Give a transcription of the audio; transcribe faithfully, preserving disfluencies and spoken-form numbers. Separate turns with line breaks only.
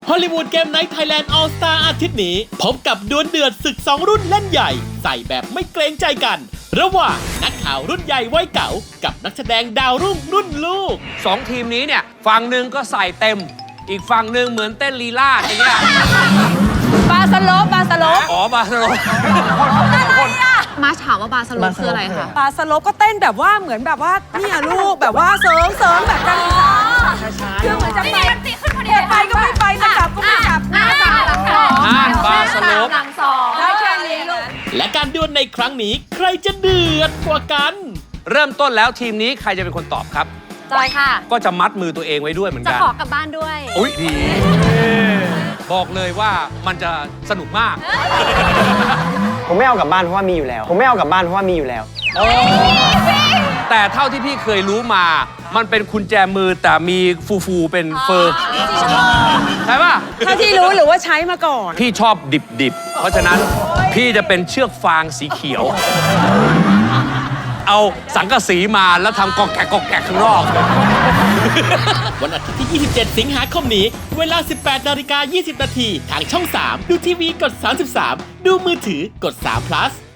ฮอลลีวูดเกมไนท์ไทยแลนด์ออลสตาร์อาทิตย์นี้พบกับดวลเดือดศึกสองรุ่นเล่นใหญ่ใส่แบบไม่เกรงใจกัน ระหว่างนักข่าวรุ่นใหญ่วัยเก่ากับนักแสดงดาวรุ่งรุ่นลูก
สองทีมนี้เนี่ยฝั่งหนึ่งก็ใส่เต็มอีกฝั่งหนึ่งเหมือนเต้นลีลาดอย่างเงี้ย
บาสโลปบาสโลป
อ๋อบาสโลป
มาถามว่าบาสโลปคืออะไรคะ
บาสโลปก็เต้นแบบว่าเหมือนแบบว่าเนี่ยลูกแบบว่าเสริมเสริมแบบการศึกษาคือเหมือนจะไปไปก็ไม่ไปจะกลับก็ไม่กลับหน้าตาหลังสอง
อ่านบาสโลป
หลังสองได้แค่นี้ลูก
และการดวลในครั้งนี้ใครจะเดือดกว่ากัน
เริ่มต้นแล้วทีมนี้ใครจะเป็นคนตอบครับ
จอยค่ะ
ก็จะมัดมือตัวเองไว้ด้วยเหมือน
จะ
กัน
ขอกลับบ้านด้วย
อุ้ยดีบอกเลยว่ามันจะสนุกมาก
ผมไม่เอากลับบ้านเพราะว่ามีอยู่แล้วผมไม่เอากลับบ้านเพราะว่ามีอยู่แล้ว
แต่เท่าที่พี่เคยรู้มามันเป็นกุญแจมือแต่มีฟูฟูเป็นเฟอร์ใช่ป่ะ
เท่าที่รู้หรือว่าใช้มาก่อน
พี่ชอบดิบๆเพราะฉะนั้นพี่จะเป็นเชือกฟางสีเขียวเอาสังกะสีมาแล้วทำกอกแกะกอกแกะข้างนอก
วันอาทิตย์ที่ ยี่สิบเจ็ด สิงหาคมนี้เวลา สิบแปดนาฬิกายี่สิบนาทีทางช่อง สาม ดูทีวีกด สามสิบสาม ดูมือถือกด สาม พลัส